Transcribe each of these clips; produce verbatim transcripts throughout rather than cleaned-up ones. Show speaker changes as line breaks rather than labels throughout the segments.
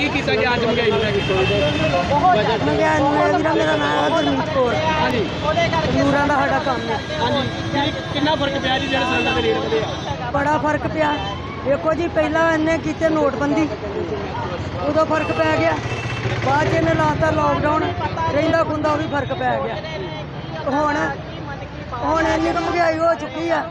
ਕੀ ਕੀਤਾ ਗਿਆ ਅੱਜ ਮਹਿੰਗਾਈ ਨੂੰ ਲੈ ਕੇ?
ਮੰਗਿਆ ਮੇਰਾ ਮੇਰਾ ਨਾਮ ਹੈ ਗੁਰਮੀਤ ਕੌਰ।
ਹਾਂਜੀ
ਨੂਰਾਂ ਦਾ ਸਾਡਾ ਕੰਮ ਹੈ।
ਹਾਂਜੀ ਕੀ- ਕਿੰਨਾ ਫਰਕ ਪਿਆ ਜੀ ਜਿਹੜੇ ਸਿਲੰਡਰ ਦੇ ਰੇਟ ਵਧੇ ਆ?
ਬੜਾ ਫਰਕ ਪਿਆ। ਦੇਖੋ ਜੀ ਪਹਿਲਾਂ ਇਹਨੇ ਕੀਤੇ ਨੋਟਬੰਦੀ, ਉਦੋਂ ਫਰਕ ਪੈ ਗਿਆ। ਬਾਅਦ 'ਚ ਇਹਨੇ ਲਾਤਾ ਲੋਕਡਾਊਨ, ਰਹਿੰਦਾ ਖੁੰਦਾ ਉਹ ਵੀ ਫਰਕ ਪੈ ਗਿਆ। ਹੁਣ ਹੁਣ ਇੰਨੀ ਕੁ ਮਹਿੰਗਾਈ ਹੋ ਚੁੱਕੀ ਆ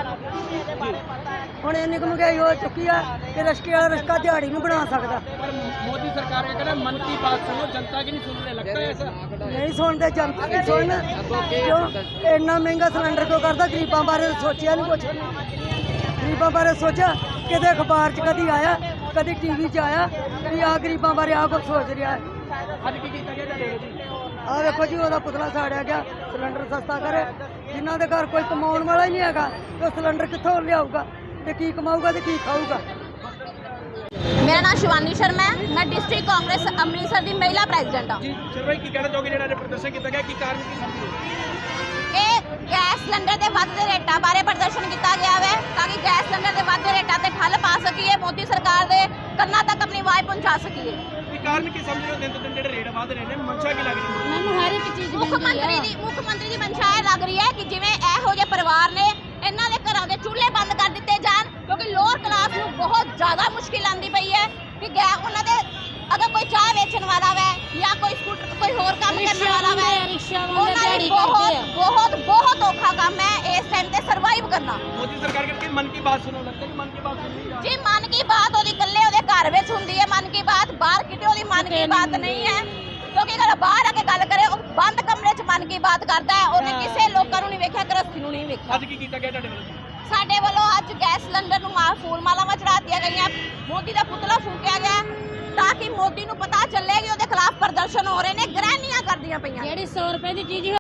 ਹੁਣ ਇੰਨੀ ਕੁ ਮਹਿੰਗਾਈ ਹੋ ਚੁੱਕੀ ਆ ਕਿ ਰਿਸ਼ਕੇ ਵਾਲਾ ਰਿਸ਼ਕਾ ਦਿਹਾੜੀ ਨਹੀਂ ਬਣਾ ਸਕਦਾ।
पर मोदी सरकार का कहना है मन की बात सुनो, जनता की नहीं सुन रहे, लगता है ऐसा?
ਨਹੀਂ ਸੁਣਦੇ, ਜਨਤਾ ਨਹੀਂ ਸੁਣਨ। ਕਿਉਂ ਇੰਨਾ ਮਹਿੰਗਾ ਸਿਲੰਡਰ ਕਿਉਂ ਕਰਦਾ? ਗਰੀਬਾਂ ਬਾਰੇ ਸੋਚਿਆ ਨਹੀਂ ਕੁਛ। ਗਰੀਬਾਂ ਬਾਰੇ ਸੋਚਿਆ? ਕਿਤੇ ਅਖਬਾਰ 'ਚ ਕਦੀ ਆਇਆ, ਕਦੀ ਟੀਵੀ 'ਚ ਆਇਆ ਵੀ ਆਹ ਗਰੀਬਾਂ ਬਾਰੇ ਆਹ ਕੁਛ ਸੋਚ ਰਿਹਾ ਹੈ।
ਅੱਜ ਕੀ ਕੀਤਾ ਗਿਆ ਤੁਹਾਡੇ ਜੀ?
ਆਹ ਵੇਖੋ ਜੀ, ਉਹਦਾ ਪੁਤਲਾ ਸਾੜਿਆ ਗਿਆ। ਸਿਲੰਡਰ ਸਸਤਾ ਕਰੇ, ਜਿਨ੍ਹਾਂ ਦੇ ਘਰ ਕੋਈ ਕਮਾਉਣ ਵਾਲਾ ਹੀ ਨਹੀਂ ਹੈਗਾ ਤੇ ਉਹ ਸਿਲੰਡਰ ਕਿੱਥੋਂ ਲਿਆਊਗਾ ਤੇ ਕੀ ਕਮਾਊਗਾ ਤੇ ਕੀ ਖਾਊਗਾ?
मेरा नाम शिवानी शर्मा है। मैं डिस्ट्रिक्ट कांग्रेस अमृतसर की महिला प्रेसिडेंट हाँ।
जी सर भाई की कहना चाहोगे ਜਿਹੜਾ ਪ੍ਰਦਰਸ਼ਨ ਕੀਤਾ ਗਿਆ, ਕੀ ਕਾਰਨ ਕੀ ਸਮਝਦੇ?
ਇਹ ਗੈਸ ਸਿਲੰਡਰ ਦੇ ਵੱਧਦੇ ਰੇਟਾਂ ਬਾਰੇ ਪ੍ਰਦਰਸ਼ਨ ਕੀਤਾ ਗਿਆ ਹੈ ਤਾਂ ਕਿ ਗੈਸ ਸਿਲੰਡਰ ਦੇ ਵੱਧਦੇ ਰੇਟਾਂ ਤੇ ਠੱਲ ਪਾ ਸਕੀਏ, ਮੋਦੀ ਸਰਕਾਰ ਦੇ ਕੰਨਾਂ ਤੱਕ ਆਪਣੀ ਆਵਾਜ਼ ਪਹੁੰਚਾ ਸਕੀਏ।
ਕੀ ਕਾਰਨ ਕੀ ਸਮਝ ਰਹੇ ਹੋ? ਦਿਨ ਤੋਂ ਦਿਨ ਜਿਹੜੇ ਰੇਟ ਵਧ ਰਹੇ ਨੇ, ਮਨਸ਼ਾ ਕੀ ਲੱਗ ਰਹੀ ਹੈ?
ਮੈਨੂੰ ਹਰ ਇੱਕ ਚੀਜ਼ ਮੁੱਖ ਮੰਤਰੀ ਦੀ ਮੁੱਖ ਮੰਤਰੀ ਦੀ ਮਨਸ਼ਾ ਇਹ ਲੱਗ ਰਹੀ ਹੈ ਕਿ ਜਿਵੇਂ ਇਹੋ ਜਿਹੇ ਪਰਿਵਾਰ ਨੇ ਇਹਨਾਂ ਦੇ ਘਰਾਂ ਦੇ ਚੁੱਲ੍ਹੇ ਬੰਦ ਕਰ ਦਿੱਤੇ ਜਾਣ, ਕਿਉਂਕਿ ਲੋਅਰ ਕਲਾਸ ਨੂੰ ਬਹੁਤ ਜ਼ਿਆਦਾ ਮੁਸ਼ਕਿਲ ਆਉਂਦੀ ਪਈ ਹੈ ਕਿ ਗੈ ਉਹਨਾਂ ਦੇ ਅਗਰ ਕੋਈ ਚਾਹ ਵੇਚਣ ਵਾਲਾ ਵੈ ਜਾਂ ਕੋਈ ਸਕੂਟਰ ਕੋਈ ਹੋਰ ਕੰਮ ਕਰਨ ਵਾਲਾ ਵੈ, ਉਹਨਾਂ ਲਈ ਬਹੁਤ ਬਹੁਤ ਬਹੁਤ ਔਖਾ ਕੰਮ ਹੈ ਇਸ ਟਾਈਮ ਤੇ ਸਰਵਾਈਵ ਕਰਨਾ।
ਮੋਦੀ ਸਰਕਾਰ ਕਰਕੇ ਮਨ ਕੀ ਬਾਤ ਸੁਣੋ, ਲੱਗਦਾ ਕਿ ਮਨ ਕੀ ਬਾਤ ਸੁਣ ਰਹੀ ਹੈ
ਜੀ ਮਨ ਕੀ ਬਾਤ ਉਹਦੀ ਇਕੱਲੇ ਉਹਦੇ ਘਰ ਵਿੱਚ ਹੁੰਦੀ ਹੈ। ਮਨ ਕੀ ਬਾਤ ਬਾਹਰ ਕਿਤੇ ਉਹਦੀ ਮਨ ਕੀ ਬਾਤ ਨਹੀਂ ਹੈ, ਕਿਉਂਕਿ ਅਗਰ ਬਾਹਰ ਆ ਕੇ ਗੱਲ ਕਰੇ ਉਹ ਬੰਦ ਕਮਰੇ 'ਚ ਮਨ ਕੀ ਬਾਤ ਕਰਦਾ ਹੈ। ਉਹਨੇ ਕਿਸੇ ਲੋਕਾਂ ਨੂੰ ਨਹੀਂ ਵੇਖਿਆ, ਗ੍ਰਸਤੀ ਨੂੰ ਨਹੀਂ ਵੇਖਿਆ।
ਅੱਜ ਕੀ ਕੀਤਾ ਗਿਆ ਤੁਹਾਡੇ ਵੱਲੋਂ?
ਸਾਡੇ ਵੱਲੋਂ ਅੱਜ ਗੈਸ ਸਿਲੰਡਰ ਨੂੰ ਮਾਲ ਫੂਲ ਮਾਲਾਵਾਂ ਚੜਾ ਦਿੱਤੀਆਂ ਗਈਆਂ, ਮੋਦੀ ਦਾ ਪੁਤਲਾ ਫੂਕਿਆ ਗਿਆ ਤਾਂ ਕਿ ਮੋਦੀ ਨੂੰ ਪਤਾ ਚੱਲੇ ਕਿ ਉਹਦੇ ਖਿਲਾਫ ਪ੍ਰਦਰਸ਼ਨ ਹੋ ਰਹੇ ਨੇ, ਗ੍ਰਹਿਣੀਆਂ ਕਰਦੀਆਂ ਪਈਆਂ।
ਜਿਹੜੀ ਸੌ ਰੁਪਏ ਦੀ ਚੀਜ਼